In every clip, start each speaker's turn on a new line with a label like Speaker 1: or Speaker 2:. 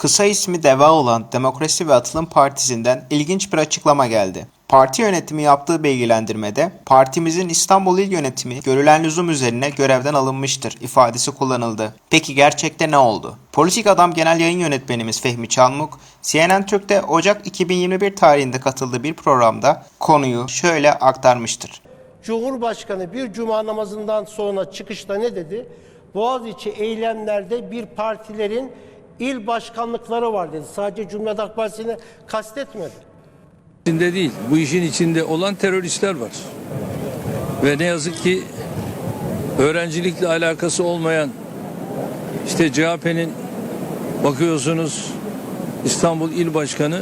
Speaker 1: Kısa ismi DEVA olan Demokrasi ve Atılım Partisi'nden ilginç bir açıklama geldi. Parti yönetimi yaptığı bilgilendirmede partimizin İstanbul İl Yönetimi görülen lüzum üzerine görevden alınmıştır ifadesi kullanıldı. Peki gerçekte ne oldu? Politik Adam Genel Yayın Yönetmenimiz Fehmi Çalmuk, CNN Türk'te Ocak 2021 tarihinde katıldığı bir programda konuyu şöyle aktarmıştır.
Speaker 2: Cumhurbaşkanı bir cuma namazından sonra çıkışta ne dedi? Boğaziçi eylemlerde bir partilerin il başkanlıkları var dedi. Sadece Cumhuriyet Halk Partisi'ni kastetmedi.
Speaker 3: İçinde değil, bu işin içinde olan teröristler var. Ve ne yazık ki öğrencilikle alakası olmayan, işte CHP'nin bakıyorsunuz İstanbul İl Başkanı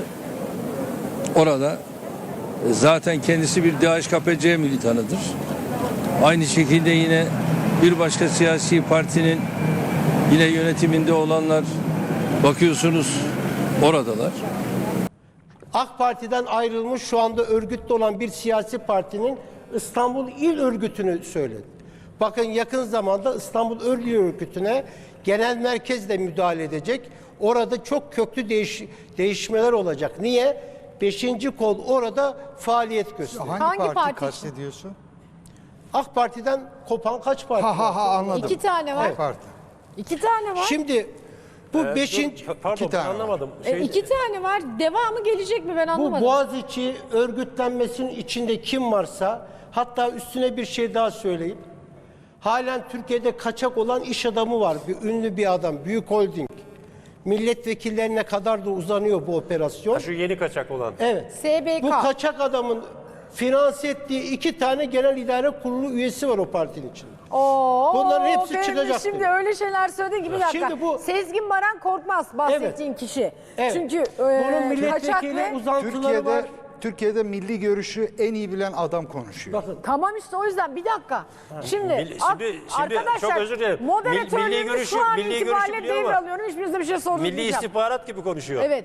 Speaker 3: orada zaten kendisi bir DHKPC militanıdır. Aynı şekilde yine bir başka siyasi partinin yine yönetiminde olanlar bakıyorsunuz oradalar.
Speaker 2: AK Parti'den ayrılmış şu anda örgütte olan bir siyasi partinin İstanbul İl Örgütü'nü söyledi. Bakın yakın zamanda İstanbul İl Örgütü'ne genel merkez de müdahale edecek. Orada çok köklü değişmeler olacak. Niye? 5. kol orada faaliyet gösteriyor.
Speaker 4: Hangi parti kastediyorsun?
Speaker 2: AK Parti'den kopan kaç parti var?
Speaker 4: Anladım.
Speaker 5: 2 tane var.
Speaker 4: Parti.
Speaker 5: 2 tane var.
Speaker 2: Şimdi bu 5.
Speaker 6: Pardon,
Speaker 4: tane var.
Speaker 6: anlamadım.
Speaker 5: 2 tane var. Devamı gelecek mi ben
Speaker 2: Bu
Speaker 5: anlamadım.
Speaker 2: Boğaziçi örgütlenmesinin içinde kim varsa, hatta üstüne bir şey daha söyleyeyim. Halen Türkiye'de kaçak olan iş adamı var. Ünlü bir adam, büyük holding. Milletvekillerine kadar da uzanıyor bu operasyon.
Speaker 6: Şu yeni kaçak olan.
Speaker 2: Evet.
Speaker 5: SBK.
Speaker 2: Bu kaçak adamın finanse ettiği 2 tane genel idare kurulu üyesi var o partinin içinde. Bunların hepsi
Speaker 5: benim de
Speaker 2: çıkacak
Speaker 5: Şimdi
Speaker 2: diyor.
Speaker 5: öyle şeyler söyledi ki bir dakika.
Speaker 2: Şimdi bu-
Speaker 5: Sezgin Baran Korkmaz bahsettiğin kişi.
Speaker 2: Evet.
Speaker 5: Çünkü
Speaker 2: Bunun
Speaker 5: kaçak
Speaker 2: milletvekili
Speaker 5: ve...
Speaker 2: uzantıları var.
Speaker 4: Türkiye'de milli görüşü en iyi bilen adam konuşuyor.
Speaker 2: Bakın.
Speaker 5: Tamam işte o yüzden bir dakika. Şimdi arkadaşlar
Speaker 6: çok özür dilerim. Milli
Speaker 5: moderatörlüğümü
Speaker 6: görüşü-
Speaker 5: şu an
Speaker 6: milli görüşü
Speaker 5: itibariyle
Speaker 6: biliyor ama
Speaker 5: devralıyorum. Hiçbirinize bir şey
Speaker 6: Milli
Speaker 5: sormayacağım.
Speaker 6: istihbarat gibi konuşuyor.
Speaker 5: Evet.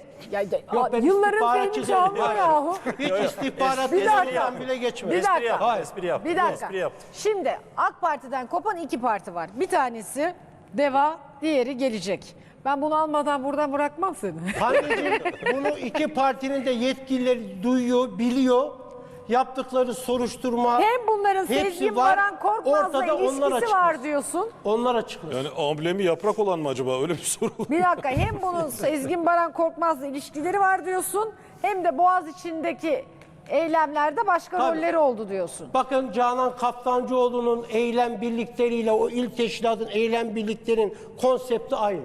Speaker 2: Ben
Speaker 5: Yılların
Speaker 2: istihbaratçı
Speaker 5: Fehmi
Speaker 2: değilim.
Speaker 5: Çalmuk yahu.
Speaker 2: Hiç istihbarat
Speaker 5: Bir dakika.
Speaker 2: destekten bile geçmedi.
Speaker 5: Bir dakika.
Speaker 6: yaptı, espri yaptı.
Speaker 5: Bir dakika.
Speaker 6: Espri yaptı.
Speaker 5: Şimdi AK Parti'den kopan 2 parti var. Bir tanesi DEVA, diğeri Gelecek. Ben bunu almadan buradan bırakmam seni.
Speaker 2: Anneciğim, bunu 2 partinin de yetkilileri duyuyor, biliyor. Yaptıkları soruşturma
Speaker 5: Hem bunların
Speaker 2: hepsi
Speaker 5: Sezgin
Speaker 2: var.
Speaker 5: Baran Korkmaz'la
Speaker 2: Ortada onlar
Speaker 5: ilişkisi
Speaker 2: açıklasın.
Speaker 5: var diyorsun.
Speaker 2: Onlar açıklasın.
Speaker 7: Yani amblemi yaprak olan mı acaba? Öyle bir soru.
Speaker 5: Bir dakika, hem bunun Sezgin Baran Korkmaz'la ilişkileri var diyorsun, hem de Boğaz içindeki eylemlerde başka
Speaker 2: Tabii.
Speaker 5: rolleri oldu diyorsun.
Speaker 2: Bakın Canan Kaftancıoğlu'nun eylem birlikleriyle o il teşkilatın eylem birliklerinin konsepti aynı.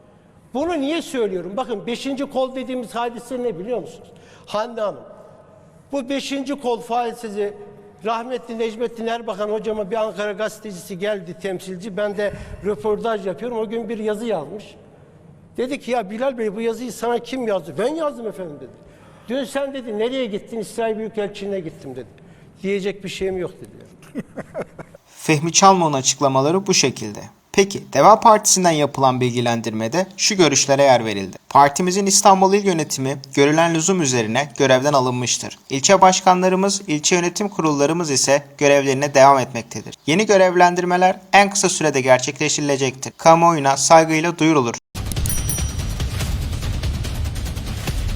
Speaker 2: Bunu niye söylüyorum? Bakın 5. kol dediğimiz hadise ne biliyor musunuz? Hande Hanım, bu 5. kol faaliyeti rahmetli Necmettin Erbakan hocama bir Ankara gazetecisi geldi, temsilci. Ben de röportaj yapıyorum. O gün bir yazı yazmış. Dedi ki ya Bilal Bey, bu yazıyı sana kim yazdı? Ben yazdım efendim dedi. Dün sen dedi nereye gittin? İsrail Büyükelçiliğine gittim dedi. Diyecek bir şeyim yok dedi.
Speaker 1: Fehmi Çalmuk'un açıklamaları bu şekilde. Peki DEVA Partisi'nden yapılan bilgilendirmede şu görüşlere yer verildi. Partimizin İstanbul İl Yönetimi görülen lüzum üzerine görevden alınmıştır. İlçe başkanlarımız, ilçe yönetim kurullarımız ise görevlerine devam etmektedir. Yeni görevlendirmeler en kısa sürede gerçekleştirilecektir. Kamuoyuna saygıyla duyurulur